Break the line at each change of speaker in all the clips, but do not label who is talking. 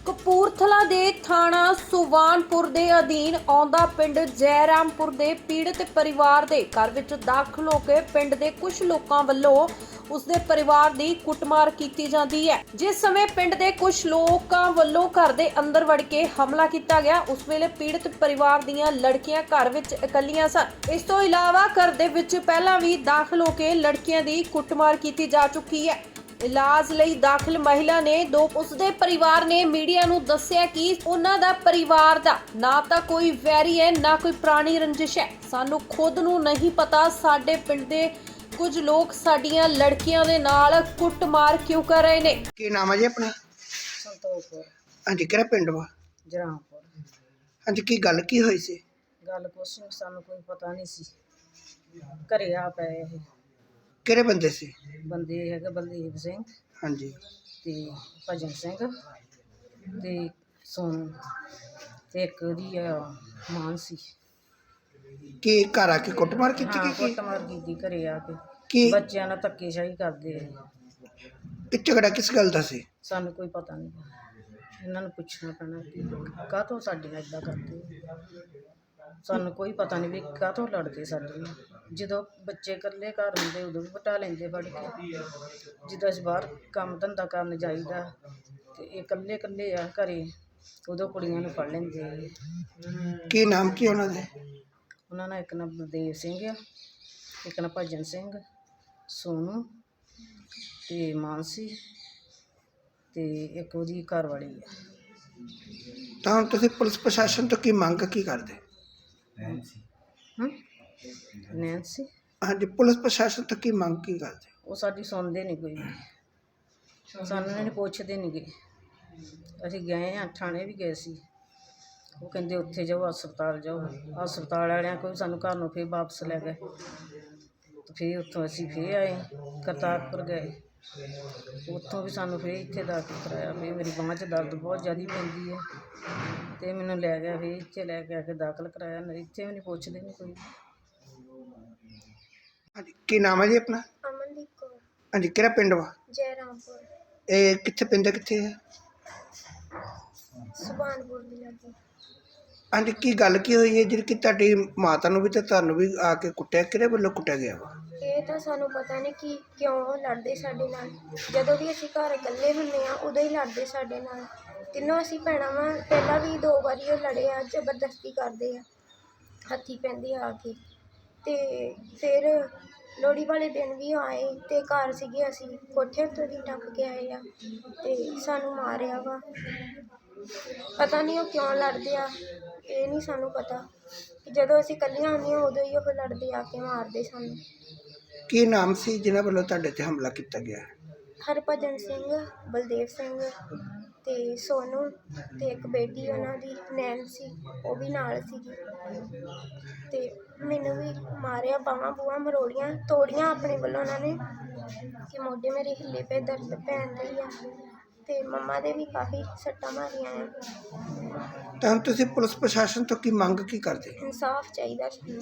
ਕਪੂਰਥਲਾ ਦੇ ਥਾਣਾ ਸੁਵਾਨਪੁਰ ਦੇ ਅਧੀਨ ਆਉਂਦਾ ਪਿੰਡ ਜੈਰਾਮਪੁਰ ਦੇ ਪੀੜਤ ਪਰਿਵਾਰ ਦੇ ਘਰ ਵਿੱਚ ਦਾਖਲ ਹੋ ਕੇ ਪਿੰਡ ਦੇ ਕੁਝ ਲੋਕਾਂ ਵੱਲੋਂ ਉਸਦੇ ਪਰਿਵਾਰ ਦੀ ਕੁੱਟਮਾਰ ਕੀਤੀ ਜਾਂਦੀ ਹੈ। ਜਿਸ ਸਮੇਂ ਪਿੰਡ ਦੇ ਕੁਝ ਲੋਕਾਂ ਵੱਲੋਂ ਘਰ ਦੇ ਅੰਦਰ ਵੜ ਕੇ ਹਮਲਾ ਕੀਤਾ ਗਿਆ, ਉਸ ਵੇਲੇ ਪੀੜਤ ਪਰਿਵਾਰ ਦੀਆਂ ਲੜਕੀਆਂ ਘਰ ਵਿੱਚ ਇਕੱਲੀਆਂ ਸਨ। ਇਸ ਤੋਂ ਇਲਾਵਾ ਘਰ ਦੇ ਵਿੱਚ ਪਹਿਲਾਂ ਵੀ ਦਾਖਲ ਹੋ ਕੇ ਲੜਕੀਆਂ ਦੀ ਕੁੱਟਮਾਰ ਕੀਤੀ ਜਾ ਚੁੱਕੀ ਹੈ। ਇਲਾਜ ਲਈ ਦਾਖਲ ਮਹਿਲਾ ਨੇ ਉਸਦੇ ਪਰਿਵਾਰ ਨੇ ਮੀਡੀਆ ਨੂੰ ਦੱਸਿਆ ਕਿ ਉਹਨਾਂ ਦਾ ਪਰਿਵਾਰ ਦਾ ਨਾ ਤਾਂ ਕੋਈ ਵੈਰੀ ਹੈ, ਨਾ ਕੋਈ ਪੁਰਾਣੀ ਰੰਜਿਸ਼ ਹੈ। ਸਾਨੂੰ ਖੁਦ ਨੂੰ ਨਹੀਂ ਪਤਾ ਸਾਡੇ ਪਿੰਡ ਦੇ ਕੁਝ ਲੋਕ ਸਾਡੀਆਂ ਲੜਕੀਆਂ ਦੇ ਨਾਲ ਕੁੱਟਮਾਰ ਕਿਉਂ ਕਰ ਰਹੇ ਨੇ।
ਕੀ ਨਾਮ ਹੈ ਜੀ ਆਪਣਾ?
ਸੰਤੋਖਪੁਰ
ਹਾਂਜੀ, ਕਿਹੜਾ ਪਿੰਡ ਵਾ?
ਜਰਾਮਪੁਰ।
ਹਾਂਜੀ, ਕੀ ਗੱਲ ਕੀ ਹੋਈ ਸੀ?
ਗੱਲ ਕੁਛ ਨੀ, ਸਾਨੂੰ ਕੋਈ ਪਤਾ ਨਹੀਂ ਸੀ। ਘਰੇ ਆ ਪਏ ਇਹ
ਕਿਹੜੇ ਬੰਦੇ ਸੀ?
ਬੰਦੇ ਹੈਗੇ ਬਲਦੇਵ ਸਿੰਘ
ਹਾਂਜੀ,
ਤੇ ਭਜਨ ਸਿੰਘ ਤੇ ਸੋਨੂ ਤੇ ਇੱਕ ਉਹਦੀ ਮਾਨ ਸੀ।
ਕੀ ਘਰ ਆ ਕੇ ਕੁੱਟਮਾਰ ਕੀਤੀ
ਹਾਂ,
ਕੀ
ਕੁੱਟਮਾਰ ਕੀਤੀ ਘਰੇ ਆ ਕੇ।
ਕੀ
ਬੱਚਿਆਂ ਨਾਲ ਧੱਕੇਸ਼ਾਹੀ ਕਰਦੇ ਆ।
ਇਹ ਝਗੜਾ ਕਿਸ ਗੱਲ ਦਾ ਸੀ?
ਸਾਨੂੰ ਕੋਈ ਪਤਾ ਨਹੀਂ। ਇਹਨਾਂ ਨੂੰ ਪੁੱਛਣਾ ਪੈਣਾ ਕਿ ਕਾਹਤੋਂ ਸਾਡੇ ਨਾਲ ਇੱਦਾਂ ਕਰਦੇ। ਸਾਨੂੰ ਕੋਈ ਪਤਾ ਨਹੀਂ ਵੀ ਕਾਹਤੋਂ ਲੜਦੇ ਸਾਡੇ ਨਾਲ। ਜਦੋਂ ਬੱਚੇ ਇਕੱਲੇ ਘਰ ਹੁੰਦੇ ਉਦੋਂ ਵੀ ਵਟਾ ਲੈਂਦੇ ਫੜ ਕੇ। ਜਦੋਂ ਅਸੀਂ ਬਾਹਰ ਕੰਮ ਧੰਦਾ ਕਰਨ ਜਾਈਦਾ ਤੇ ਇਹ ਇਕੱਲੇ ਇਕੱਲੇ ਆ ਘਰੇ, ਉਦੋਂ ਕੁੜੀਆਂ ਨੂੰ ਫੜ ਲੈਂਦੇ ਆ।
ਕੀ ਨਾਮ ਕੀ ਉਹਨਾਂ ਦੇ?
ਉਹਨਾਂ ਨਾਲ ਇੱਕ ਨਾ ਬਲਦੇਵ ਸਿੰਘ ਆ, ਇੱਕ ਨਾ ਭਜਨ ਸਿੰਘ, ਸੋਨੂ ਤੇ ਮਾਨਸੀ ਤੇ ਇੱਕ ਉਹਦੀ ਘਰ ਵਾਲੀ ਆ।
ਤਾਂ ਹੁਣ ਤੁਸੀਂ ਪੁਲਿਸ ਪ੍ਰਸ਼ਾਸਨ ਤੋਂ ਕੀ ਮੰਗ ਕੀ ਕਰਦੇ?
ਨੈਂਸੀ।
ਹਾਂਜੀ, ਪੁਲਿਸ ਪ੍ਰਸ਼ਾਸਨ ਤੋਂ ਕੀ ਮੰਗ ਕੀ ਕਰਦੇ?
ਉਹ ਸਾਡੀ ਸੁਣਦੇ ਨਹੀਂ ਕੋਈ ਵੀ। ਸਾਨੂੰ ਇਹਨਾਂ ਨੇ ਪੁੱਛਦੇ ਨਹੀਂ ਗੇ। ਅਸੀਂ ਗਏ ਹਾਂ, ਥਾਣੇ ਵੀ ਗਏ ਸੀ। ਉਹ ਕਹਿੰਦੇ ਉੱਥੇ ਜਾਓ, ਹਸਪਤਾਲ ਜਾਓ। ਹਸਪਤਾਲ ਵਾਲਿਆਂ ਕੋਈ ਸਾਨੂੰ ਘਰ ਨੂੰ ਫਿਰ ਵਾਪਸ ਲੈ ਗਏ। ਤੇ ਫਿਰ ਉੱਥੋਂ ਅਸੀਂ ਫਿਰ ਆਏ, ਕਰਤਾਰਪੁਰ ਗਏ। ਉੱਥੋਂ ਵੀ ਸਾਨੂੰ ਫਿਰ ਇੱਥੇ ਦਾਖਲ ਕਰਾਇਆ। ਫਿਰ ਮੇਰੀ ਬਾਂਹ 'ਚ ਦਰਦ ਬਹੁਤ ਜ਼ਿਆਦਾ ਪੈਂਦੀ ਹੈ ਅਤੇ ਮੈਨੂੰ ਲੈ ਗਿਆ, ਫਿਰ ਇੱਥੇ ਲੈ ਕੇ ਆ ਕੇ ਦਾਖਲ ਕਰਾਇਆ। ਇੱਥੇ ਵੀ ਨਹੀਂ ਪੁੱਛਦੇ ਨਹੀਂ ਕੋਈ।
ਹਾਂਜੀ, ਕੀ ਨਾਮ ਹੈ ਜੀ ਆਪਣਾ?
ਅਮਨਦੀਪ ਕੌਰ।
ਹਾਂਜੀ, ਕਿਹੜਾ ਪਿੰਡ ਵਾ?
ਜੈਰਾਮਪੁਰ।
ਇਹ ਕਿੱਥੇ ਪਿੰਡ ਕਿੱਥੇ ਹੈ?
ਸੁਭਾਨਪੁਰ ਦੀ ਲੱਗੀ।
ਹਾਂਜੀ, ਕੀ ਗੱਲ ਕੀ ਹੋਈ ਹੈ ਜਿਹੜੀ ਕਿ ਤੁਹਾਡੀ ਮਾਤਾ ਨੂੰ ਵੀ ਤੇ ਤੁਹਾਨੂੰ ਵੀ ਆ ਕੇ ਕੁੱਟਿਆ? ਕਿਹੜੇ ਵੱਲੋਂ ਕੁੱਟਿਆ ਗਿਆ ਵਾ?
ਇਹ ਤਾਂ ਸਾਨੂੰ ਪਤਾ ਨਹੀਂ ਕਿ ਕਿਉਂ ਉਹ ਲੜਦੇ ਸਾਡੇ ਨਾਲ। ਜਦੋਂ ਵੀ ਅਸੀਂ ਘਰ ਇਕੱਲੇ ਹੁੰਦੇ ਆ ਉਦੋਂ ਹੀ ਲੜਦੇ ਸਾਡੇ ਨਾਲ। ਤਿੰਨੋਂ ਅਸੀਂ ਭੈਣਾਂ ਵਾਂ। ਪਹਿਲਾਂ ਵੀ 2 ਵਾਰੀ ਉਹ ਲੜੇ ਆ। ਜ਼ਬਰਦਸਤੀ ਕਰਦੇ ਆ, ਹੱਥੀਂ ਪੈਂਦੇ ਆ ਕੇ। ਅਤੇ ਫਿਰ ਲੋਹੜੀ ਵਾਲੇ ਦਿਨ ਵੀ ਆਏ ਅਤੇ ਘਰ ਸੀਗੇ, ਅਸੀਂ ਕੋਠੇ ਉੱਤੋਂ ਦੀ ਟੱਪ ਕੇ ਆਏ ਆ ਅਤੇ ਸਾਨੂੰ ਮਾਰਿਆ ਵਾ। ਪਤਾ ਨਹੀਂ ਉਹ ਕਿਉਂ ਲੜਦੇ ਆ, ਇਹ ਨਹੀਂ ਸਾਨੂੰ ਪਤਾ। ਕਿ ਜਦੋਂ ਅਸੀਂ ਇਕੱਲੀਆਂ ਹੁੰਦੀਆਂ ਉਦੋਂ ਹੀ ਉਹ ਲੜਦੇ ਆ ਕੇ ਮਾਰਦੇ ਸਾਨੂੰ।
ਕੀ ਨਾਮ ਸੀ ਜਿਨ੍ਹਾਂ ਵੱਲੋਂ ਤੁਹਾਡੇ ਤੇ ਹਮਲਾ ਕੀਤਾ ਗਿਆ?
ਹਰਭਜਨ ਸਿੰਘ, ਬਲਦੇਵ ਸਿੰਘ ਅਤੇ ਸੋਨੂ ਅਤੇ ਇੱਕ ਬੇਟੀ ਉਹਨਾਂ ਦੀ ਨੈਂਸੀ, ਉਹ ਵੀ ਨਾਲ ਸੀਗੀ। ਅਤੇ ਮੈਨੂੰ ਵੀ ਮਾਰਿਆ, ਬਾਹਾਂ ਬੂਹਾਂ ਮਰੋੜੀਆਂ, ਤੋੜੀਆਂ ਆਪਣੇ ਵੱਲੋਂ ਉਹਨਾਂ ਨੇ ਕਿ ਮੋਢੇ ਮੇਰੇ ਹਿੱਲੇ ਪਏ, ਦਰਦ ਪੈਣ ਡਈ ਆ। ਅਤੇ ਮੰਮਾ ਦੇ ਵੀ ਕਾਫੀ ਸੱਟਾਂ ਮਾਰੀਆਂ ਆ।
ਤਾਂ ਹੁਣ ਤੁਸੀਂ ਪੁਲਿਸ ਪ੍ਰਸ਼ਾਸਨ ਤੋਂ ਕੀ ਮੰਗ ਕੀ ਕਰਦੇ?
ਇਨਸਾਫ ਚਾਹੀਦਾ ਸਾਨੂੰ।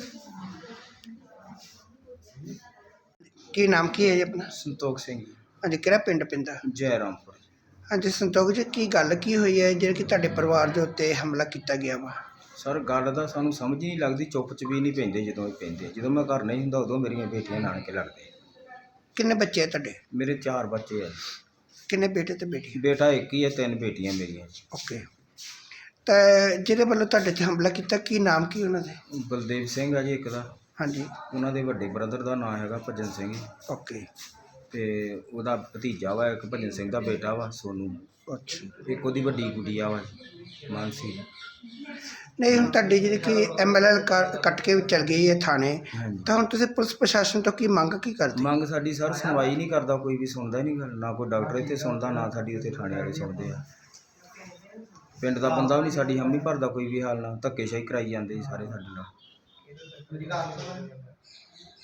ਕੀ ਨਾਮ ਕੀ ਹੈ ਜੀ ਆਪਣਾ?
ਸੰਤੋਖ ਸਿੰਘ ਜੀ,
ਹਾਂਜੀ, ਕਿਹੜਾ ਪਿੰਡ ਪੈਂਦਾ?
ਜੈਰਾਮਪੁਰ।
ਹਾਂਜੀ ਸੰਤੋਖ ਜੀ, ਕੀ ਗੱਲ ਕੀ ਹੋਈ ਹੈ ਜਿਹੜੀ ਕਿ ਤੁਹਾਡੇ ਪਰਿਵਾਰ ਦੇ ਉੱਤੇ ਹਮਲਾ ਕੀਤਾ ਗਿਆ ਵਾ?
ਸਰ, ਗੱਲ ਦਾ ਸਾਨੂੰ ਸਮਝ ਹੀ ਨਹੀਂ ਲੱਗਦੀ। ਚੁੱਪ ਚ ਵੀ ਨਹੀਂ ਪੈਂਦੇ ਜਦੋਂ ਇਹ ਪੈਂਦੇ। ਜਦੋਂ ਮੈਂ ਘਰ ਨਹੀਂ ਹੁੰਦਾ ਉਦੋਂ ਮੇਰੀਆਂ ਬੇਟੀਆਂ ਨਾਨਕੇ ਲੜਦੇ।
ਕਿੰਨੇ ਬੱਚੇ ਆ ਤੁਹਾਡੇ?
ਮੇਰੇ 4 ਬੱਚੇ ਆ।
ਕਿੰਨੇ ਬੇਟੇ ਤੇ ਬੇਟੀ?
ਬੇਟਾ ਇੱਕ ਹੀ ਹੈ, 3 ਬੇਟੀਆਂ ਮੇਰੀਆਂ।
ਓਕੇ। ਤਾਂ ਜਿਹਦੇ ਵੱਲੋਂ ਤੁਹਾਡੇ ਤੇ ਹਮਲਾ ਕੀਤਾ, ਕੀ ਨਾਮ ਕੀ ਉਹਨਾਂ ਦੇ?
ਬਲਦੇਵ ਸਿੰਘ ਆ ਜੀ ਇੱਕ ਦਾ।
ਹਾਂਜੀ,
ਉਹਨਾਂ ਦੇ ਵੱਡੇ ਬ੍ਰਦਰ ਦਾ ਨਾਂ ਹੈਗਾ ਭਜਨ ਸਿੰਘ।
ਓਕੇ।
ਤੇ ਉਹਦਾ ਭਤੀਜਾ ਵਾ ਇੱਕ, ਭਜਨ ਸਿੰਘ ਦਾ ਬੇਟਾ ਵਾ ਸੋਨੂ।
ਅੱਛਾ।
ਇੱਕ ਉਹਦੀ ਵੱਡੀ ਗੁੱਡੀਆ ਵਾ ਮਾਨਸੀ।
ਨਹੀਂ, ਹੁਣ ਤੁਹਾਡੀ ਜਿਹੜੀ ਕਿ MLL ਕੱਟ ਕੇ ਚਲ ਗਈ ਹੈ ਥਾਣੇ,
ਹਾਂਜੀ।
ਤਾਂ ਹੁਣ ਤੁਸੀਂ ਪੁਲਿਸ ਪ੍ਰਸ਼ਾਸਨ ਤੋਂ ਕੀ ਮੰਗ ਕੀ ਕਰਦੇ?
ਮੰਗ ਸਾਡੀ ਸਰ, ਸੁਣਵਾਈ ਨਹੀਂ ਕਰਦਾ ਕੋਈ ਵੀ, ਸੁਣਦਾ ਹੀ ਨਹੀਂ ਗੱਲ। ਨਾ ਕੋਈ ਡਾਕਟਰ ਇੱਥੇ ਸੁਣਦਾ, ਨਾ ਸਾਡੀ ਉੱਥੇ ਥਾਣੇ ਵਾਲੇ ਸੁਣਦੇ ਆ। ਪਿੰਡ ਦਾ ਬੰਦਾ ਵੀ ਨਹੀਂ ਸਾਡੀ ਹਮੀ ਭਰਦਾ ਕੋਈ ਵੀ ਹਾਲ ਨਾਲ। ਧੱਕੇਸ਼ਾਹੀ ਕਰਾਈ ਜਾਂਦੇ ਜੀ ਸਾਰੇ ਸਾਡੇ ਨਾਲ।